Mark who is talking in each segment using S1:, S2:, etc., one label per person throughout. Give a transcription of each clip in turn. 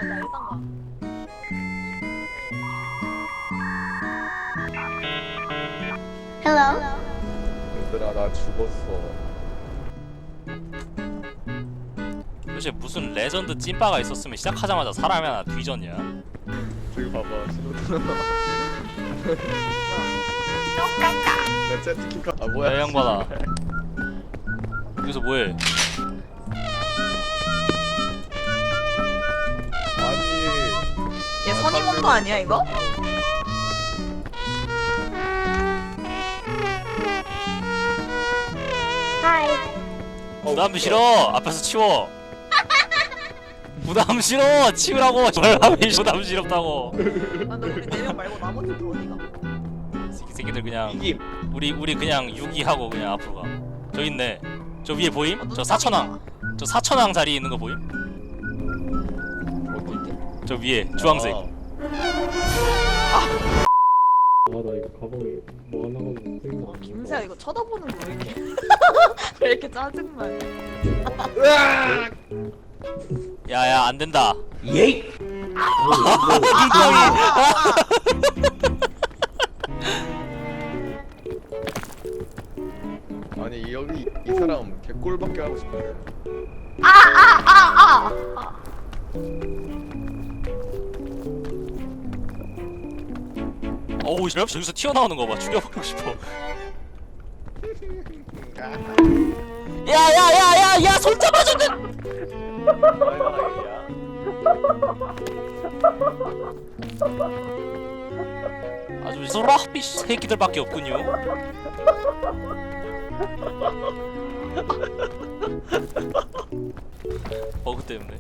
S1: 나 일단 가.
S2: 얘들아 나 죽었어.
S3: 도대체 무슨 레전드 찐빠가 있었으면 시작하자마자 사람이 하나 뒤졌냐?
S2: 저기 봐봐 신호등. 나 채팅카. 아 뭐야?
S3: 야 양반아 여기서 뭐해?
S2: 아니.
S1: 얘 선임원도 아니야 이거?
S3: 부담 싫어! 앞에서 치워! 부담 싫어! 치우라고! 절함이 부담 싫었다고!
S1: 아 근데 우리 4명 말고 나머지들 어디가?
S3: 새끼들 그냥
S2: 이김.
S3: 우리 그냥 유기하고 그냥 앞으로 가. 저 있네. 저 위에 보임?
S1: 아,
S3: 저 사천왕. 저 사천왕 자리에 있는 거 보임?
S2: 어디?
S3: 저 위에 주황색.
S2: 아,
S4: 나 이거 가방에 뭐 하나만 생각 안
S1: 김세야 이거 쳐다보는 거 왜 이렇게 왜 이렇게 짜증나?
S3: 야야 안 된다.
S2: 예이.
S3: 눈덩이.
S2: 아니 여기 이 사람 개꿀밖에 하고 싶은데.
S3: 어우 씨 저기서 튀어나오는 거 봐. 죽여버리고 싶어. 야야야야야 손 잡아줬네. 아주 소라비 새끼들밖에 없군요. 버그 때문에.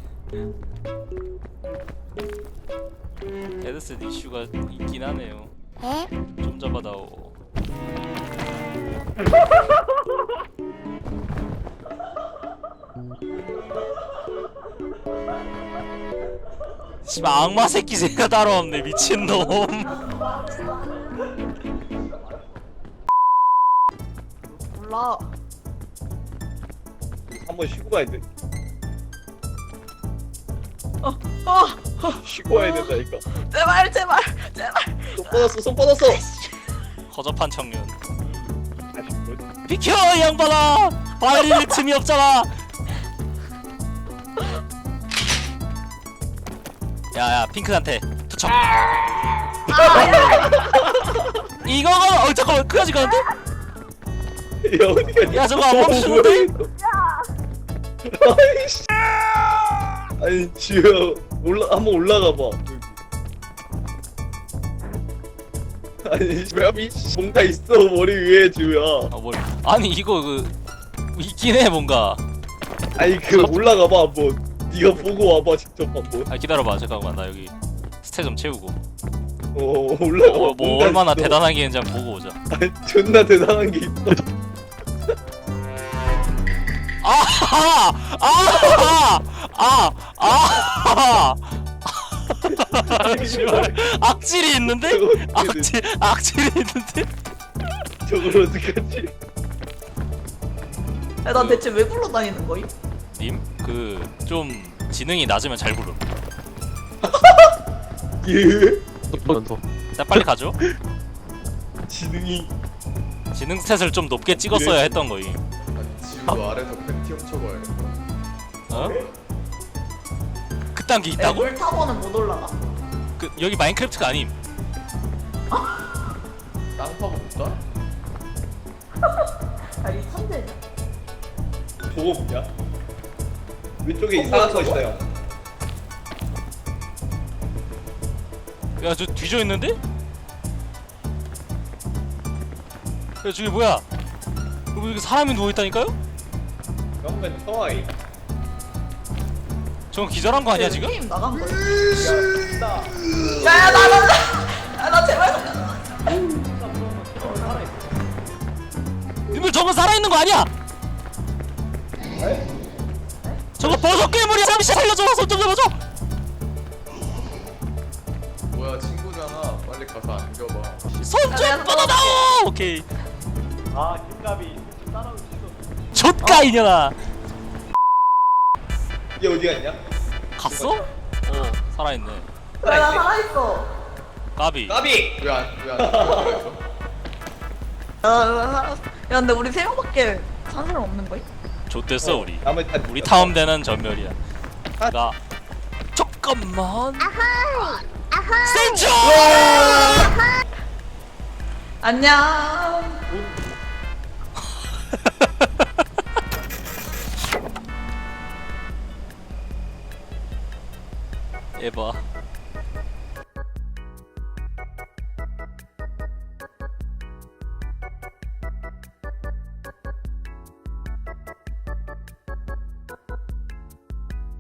S3: 헤드셋 이슈가 있긴 하네요. 좀 잡아다오. 씨발 악마 새끼 새가 따로 없네 미친놈.
S1: 몰라.
S2: 한번 쉬고 가야 돼.
S1: 어
S2: 쉬고 가야 된다니까.
S1: 제발 제발 제발.
S2: 손 뻗었어 손 뻗었어.
S3: 허접한 청년.
S2: 아직 뭐지?
S3: 비켜 이 양반아. 발릴 틈이 없잖아. 야야 핑크한테 투척. 이거가 잠깐만 그까지 가는데?
S2: 야 어디 가냐?
S3: 야 저거 안 멈추는데?
S2: 아이씨. 아니 지효 한번 올라가 봐. 아니 왜 뭔가 있어 머리 위에 지효야.
S3: 아 뭘? 아니 이거 그 있긴 해 뭔가.
S2: 아니 그 올라가 봐 한번. 네가 보고 와봐 직접 한번.
S3: 아 기다려봐 잠깐만 나 여기 스탯 좀 채우고.
S2: 올라가 봐.
S3: 뭐
S2: 뭔가
S3: 얼마나
S2: 있어.
S3: 대단한 게 있는지 한번 보고 오자.
S2: 아니 존나 대단한 게 있어.
S3: 아하! 아하! 아하! 악질이 있는데? 악질이 있는데?
S2: 저걸 어떡하지?
S1: 야, 난 대체 왜 굴러다니는 거임?
S3: 님? 그 좀 지능이 낮으면 잘 부름.
S2: 예?
S3: 자 빨리 가죠.
S2: 지능이.
S3: 지능 스탯을 좀 높게 찍었어야 했던 거임.
S2: 지우 아래서 팬티 훔쳐봐야겠다.
S3: 어? 그딴 게 있다고?
S1: 물 타고는 못 올라가.
S3: 그 여기 마인크래프트가 아님.
S2: 땅 파고 볼까?
S1: 아니 천재냐?
S2: 저거 뭐냐? 왼쪽에 이상한 거 있어요.
S3: 야 저 뒤져 있는데? 야 저기 뭐야? 여기 사람이 누워 있다니까요?
S2: 그러면 터와이.
S3: 저건 기절한 거 아니야 지금?
S1: 게임 나간 거야.
S2: 야,
S1: 야야 나 제발 살려.
S3: 님들 저건 살아있는 거 아니야? 저거 버섯 괴물이야. 잠시 살려줘. 손 좀 잡아줘.
S2: 뭐야 친구잖아. 빨리 가서 안겨봐.
S3: 손 좀 뻗어다오. 오케이.
S4: 아 김갑이 따라오기 싫어.
S3: 좆가 이년아.
S2: 얘 어디 갔냐?
S3: 갔어? 어. 살아있네.
S1: 왜 나 살아있어?
S3: 까비.
S2: 까비! 왜안
S1: 야 근데 우리 세 명밖에 산 사람 없는 거야?
S3: 좆됐어 우리.
S2: 나머지 다
S3: 우리 타운되는 전멸이야. 나 잠깐만. 센쳐.
S1: 안녕.
S3: 에바.